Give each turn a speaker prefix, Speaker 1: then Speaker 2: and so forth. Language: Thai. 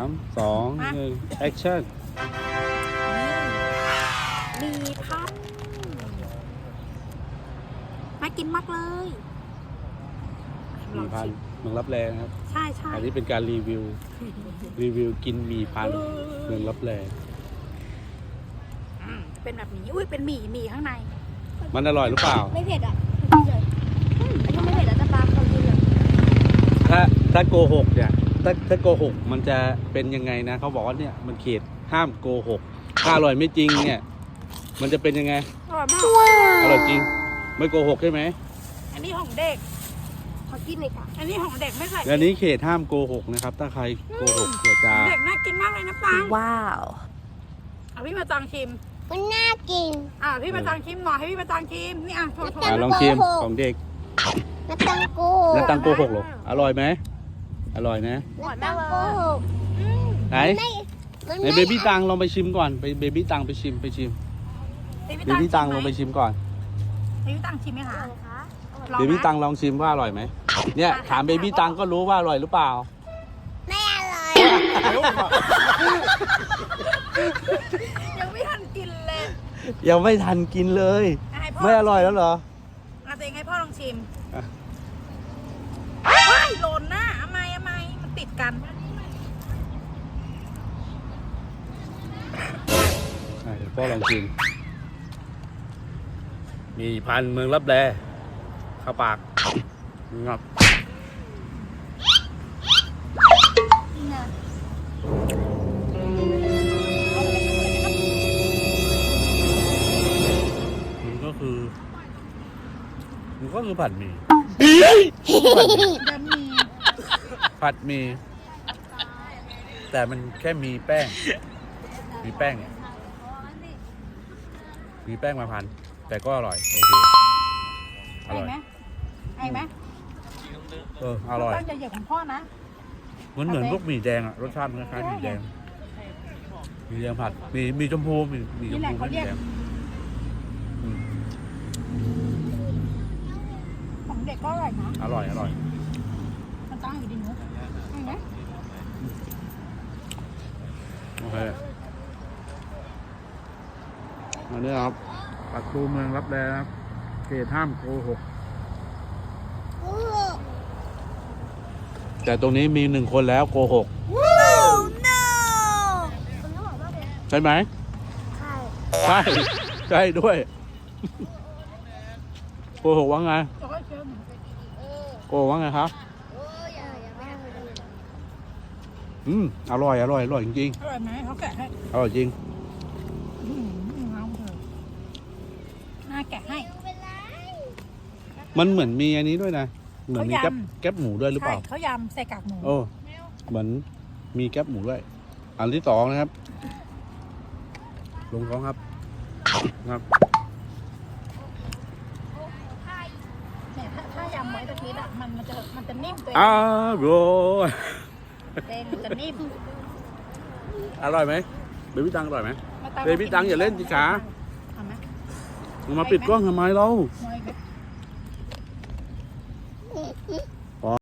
Speaker 1: 3 2 1 แอคชั่น
Speaker 2: มีพันน่ากินมากเลย
Speaker 1: หมี่พันเมืองรับแลนะครับ
Speaker 2: ใช่ใช่
Speaker 1: อันนี้เป็นการรีวิวกินหมี่พันเมืองรับแล
Speaker 2: เป็นแบบนี้อุ้ยเป็นหมี่ข้างใน
Speaker 1: มันอร่อยหรือเปล่า
Speaker 3: ไม่เผ็ดอ่ะเฉยอันนี้ไม่เผ็ดแล้วแต่ปลาเขาดีเลย
Speaker 1: ถ้าโกหกเนี่ยถ้าโกหกมันจะเป็นยังไงนะเขาบอกว่าเนี่ยมันเขตห้ามโกหกถ้าอร่อยไม่จริงเนี่ยมันจะเป็นยังไง
Speaker 2: อร่อยมาก
Speaker 1: อร่อยจริงไม่โกหกใช่ไหม
Speaker 2: อันนี้ของเด็ก
Speaker 3: ขอกินเลยค่ะ
Speaker 2: อันนี้ของเด็กไม่ใส่
Speaker 1: อันนี้เขตห้ามโกหกนะครับถ้าใครโกหกเดี๋ยวจะ
Speaker 2: เด็กน่ากินมากเลยนะปัง
Speaker 3: ว้าว
Speaker 2: เอาพี่มาจังชิม
Speaker 3: มันน่ากิน
Speaker 2: พี่มาจังชิมหน่อยให้พี่มาจังชิมนี่โทษ
Speaker 1: ลองชิมของเด็ก
Speaker 3: น้ำตังโก
Speaker 1: แล้วตังโกหกหรออร่อยไหมอร่อยนะ
Speaker 3: น้ำตังโกหก
Speaker 1: ไหนไหนเบบี้ตังลองไปชิมก่อนไปเบบี้ตังไปชิมเบบี้ตังลองไปชิมก่อน
Speaker 2: เบบี้ตังชิมไหมคะ
Speaker 1: เบบี้ตังลองชิมว่าอร่อยไหมเนี่ยถามเบบี้ตังก็รู้ว่าอร่อยหรือเปล่า
Speaker 3: ไม่อร่อย
Speaker 2: ยังไม่ทันกินเลย
Speaker 1: ยังไม่ทันกินเลย
Speaker 2: ให้พ่
Speaker 1: ไม่อร่อยแล้วเหรอ
Speaker 2: เอาตัวเองให้พ่อลองชิม
Speaker 1: อ่ะ
Speaker 2: ว้ายหล่นนะทำไมมันติดกัน
Speaker 1: เดี๋ยวพ่อลองชิมมีพันเมืองรับแลเข้าปากงับมันก็คือผัดหมี่
Speaker 2: จะมี
Speaker 1: ผัดหมี่แต่มันแค่มีแป้ง มีแป้งมาพันแต่ก็อร่อยโอเคอ
Speaker 2: ไอ้
Speaker 1: ร่อย
Speaker 2: ไหมไอ้ไหม
Speaker 1: อร่อย
Speaker 2: ตั้งใจเหยียบของพ่อนะ
Speaker 1: มันเหมือนพวกหมี่แดงอะรสชาติมันคล้ายๆหมี่แดงผัดมีชมพูมีชมพูไม่มีแดง
Speaker 2: ของเด็กก็อร่อยนะ
Speaker 1: อร่อย
Speaker 2: มันตั้งอยู่ดีหนูไอ้ไหม
Speaker 1: โอเคอันนี้ครับปักตูเมืองรับแลครับเขตห้ามโกหกแต่ตรงนี้มี1 คนแล้วโกหกใช่ไหม
Speaker 3: ใช่
Speaker 1: ใช่ด้วยโกหกว่าไง
Speaker 2: จะค่อยเชิม
Speaker 1: โกหกว่าไงครับ อร่อยจริง
Speaker 2: อร่อยไหมเขาแกะให้
Speaker 1: ๆอร่อยจริง
Speaker 2: น้ำเถอะน่าแกะให้
Speaker 1: มันเหมือนมีอันนี้ด้วยนะเหมือนมีแก๊บหมูด้วยหรือเป
Speaker 2: ใช่
Speaker 1: ล่า
Speaker 2: เขายำใส่กากหมู
Speaker 1: โอ้เหมือนมีแก๊บหมูด้วยอันที่2นะครับลงท้องครับ
Speaker 2: เนี่ยถ้ายำไว้ตะกี้อะมันจะนิ่มตัวเอง
Speaker 1: โร่อย
Speaker 2: เองมันจะนิ่ม
Speaker 1: อร่อยไหมเบบี้ตังอร่อยไหม
Speaker 2: มาตาม
Speaker 1: เบบี้ตังอย่าเล่นสิขา
Speaker 2: เอาไหม
Speaker 1: มาปิดกล้องทำไมเรา
Speaker 2: หัว